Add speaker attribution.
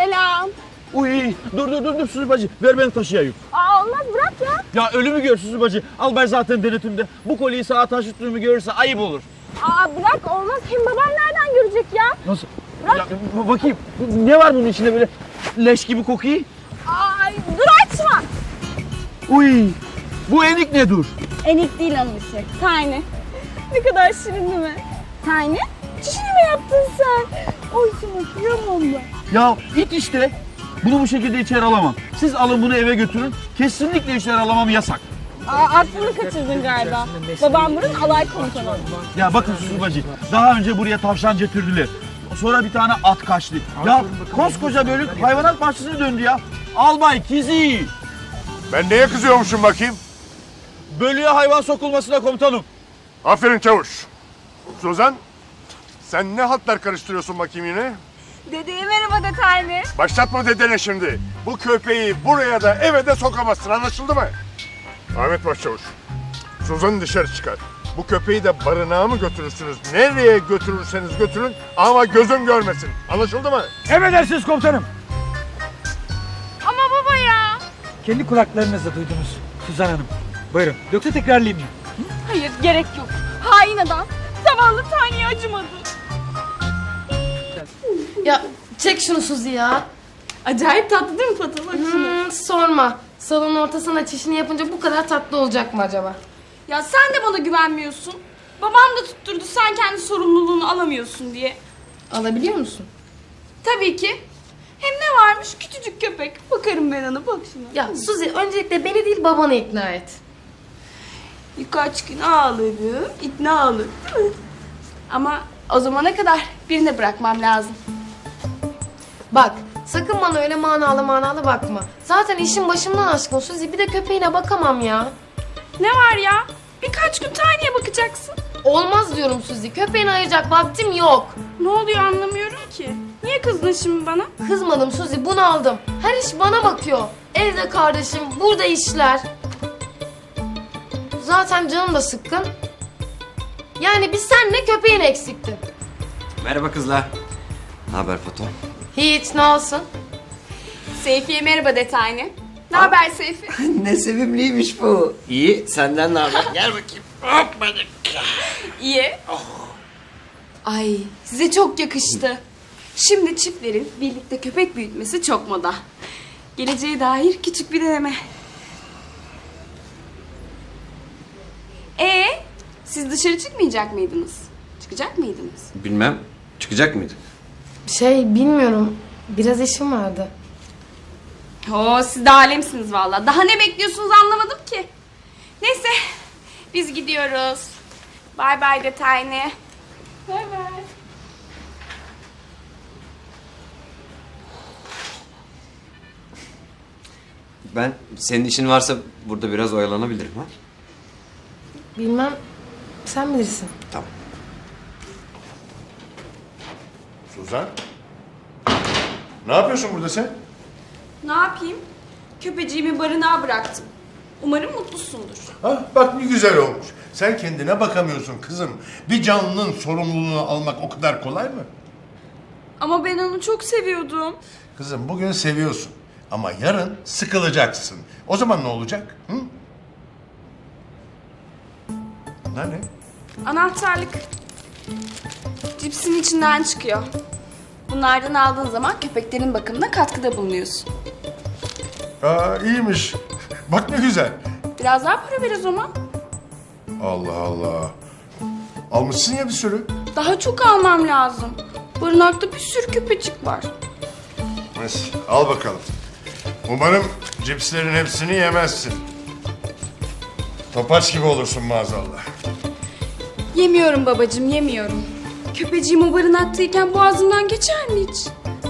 Speaker 1: Selam.
Speaker 2: Uy, dur Suzi bacı, ver beni taşıyayım.
Speaker 1: Aa, olmaz, bırak ya.
Speaker 2: Ya ölümü gör Suzi bacı, al ben zaten denetimde. Bu kolyeyi sağa taşıttığımı görürse ayıp olur.
Speaker 1: Aa, bırak, olmaz. Hem babam nereden görecek ya?
Speaker 2: Nasıl?
Speaker 1: Bırak.
Speaker 2: Ya, bakayım, ne var bunun içinde böyle leş gibi kokuyor?
Speaker 1: Ay, dur, açma.
Speaker 2: Uy, bu enik ne dur?
Speaker 1: Enik değil onun işi. Tiny. Ne kadar şirin değil mi? Tiny? Çişini mi yaptın sen? Oy sana kıyamam ben.
Speaker 2: Ya it işte. Bunu bu şekilde içeri alamam. Siz alın bunu eve götürün. Kesinlikle içeri alamam, yasak.
Speaker 1: Aa, aklını kaçırdın galiba. Babam bunun alay komutanı.
Speaker 2: Ya bakın Suzi bacı, daha önce buraya tavşan getirdiler. Sonra bir tane at kaçtı. Ya koskoca bölük hayvanat bahçesine döndü ya. Albay Kizi.
Speaker 3: Ben neye kızıyormuşum bakayım?
Speaker 2: Bölüye hayvan sokulmasına komutanım.
Speaker 3: Aferin çavuş. Suzan, sen ne hatlar karıştırıyorsun bakayım yine?
Speaker 1: Dedeye merhaba de Tiny.
Speaker 3: Başlatma dedene şimdi. Bu köpeği buraya da eve de sokamazsın, anlaşıldı mı? Ahmet Başçavuş, Suzan'ı dışarı çıkar. Bu köpeği de barınağa mı götürürsünüz? Nereye götürürseniz götürün ama gözüm görmesin. Anlaşıldı mı?
Speaker 4: Emredersiniz komutanım.
Speaker 1: Ama baba ya.
Speaker 4: Kendi kulaklarınızla duydunuz Suzan Hanım. Buyurun. Yoksa tekrarlayayım mı?
Speaker 1: Hayır, gerek yok. Hain adam. Zavallı Tiny'ye acımadı.
Speaker 5: Ya çek şunu Suzi ya.
Speaker 1: Acayip tatlı değil mi Fatih? Bak şuna.
Speaker 5: Sorma. Salonun ortasına çişini yapınca bu kadar tatlı olacak mı acaba?
Speaker 1: Ya sen de bana güvenmiyorsun. Babam da tutturdu sen kendi sorumluluğunu alamıyorsun diye.
Speaker 5: Alabiliyor musun?
Speaker 1: Tabii ki. Hem ne varmış? Küçücük köpek. Bakarım ben ona, bak şuna.
Speaker 5: Ya Suzi öncelikle beni değil babanı ikna et.
Speaker 1: Birkaç gün ağlarım, ikna olur değil mi? Ama o zamana kadar birine bırakmam lazım.
Speaker 5: Bak sakın bana öyle manalı bakma. Zaten işin başımdan aşkın Suzi, bir de köpeğine bakamam ya.
Speaker 1: Ne var ya? Birkaç gün Tiny'ye bakacaksın.
Speaker 5: Olmaz diyorum Suzi, köpeğini ayıracak vaktim yok.
Speaker 1: Ne oluyor anlamıyorum ki. Niye kızdın şimdi bana?
Speaker 5: Kızmadım Suzi, bunaldım. Her iş bana bakıyor. Evde kardeşim, burada işler. Zaten canım da sıkkın. Yani biz senle köpeğin eksikti.
Speaker 6: Merhaba kızlar. Ne haber Fato?
Speaker 5: Hiç, ne olsun?
Speaker 1: Seyfi'ye merhaba de Tiny. Ne haber Seyfi?
Speaker 6: Ne sevimliymiş bu. İyi, senden ne haber? Gel bakayım. Hoppa.
Speaker 1: İyi. Ay, size çok yakıştı. Şimdi çiftlerin birlikte köpek büyütmesi çok moda. Geleceğe dair küçük bir deneme. Siz dışarı çıkmayacak mıydınız? Çıkacak mıydınız?
Speaker 6: Bilmem, çıkacak mıydık?
Speaker 5: Bilmiyorum. Biraz işim vardı.
Speaker 1: Siz de alemsiniz vallahi. Daha ne bekliyorsunuz anlamadım ki. Neyse, biz gidiyoruz. Bye bye de Tiny. Bye bye.
Speaker 6: Ben, senin işin varsa burada biraz oyalanabilirim ha?
Speaker 5: Bilmem. Sen bilirsin.
Speaker 6: Tamam.
Speaker 3: Suzan, ne yapıyorsun burada sen?
Speaker 1: Ne yapayım? Köpeciğimi barınağa bıraktım. Umarım mutlusundur.
Speaker 3: Ha, bak ne güzel olmuş. Sen kendine bakamıyorsun kızım. Bir canlının sorumluluğunu almak o kadar kolay mı?
Speaker 1: Ama ben onu çok seviyordum.
Speaker 3: Kızım bugün seviyorsun ama yarın sıkılacaksın. O zaman ne olacak? Hı? Bunlar ne?
Speaker 1: Anahtarlık. Cipsin içinden çıkıyor. Bunlardan aldığın zaman köpeklerin bakımına katkıda bulunuyorsun.
Speaker 3: Aa, iyiymiş. Bak ne güzel.
Speaker 1: Biraz daha para ver o zaman.
Speaker 3: Allah Allah. Almışsın ya bir sürü.
Speaker 1: Daha çok almam lazım. Barınakta bir sürü köpecik var.
Speaker 3: Neyse, al bakalım. Umarım cipslerin hepsini yemezsin. Topaç gibi olursun maazallah.
Speaker 1: Yemiyorum babacığım, yemiyorum. Köpeciğim o barınaktayken boğazımdan geçer mi hiç?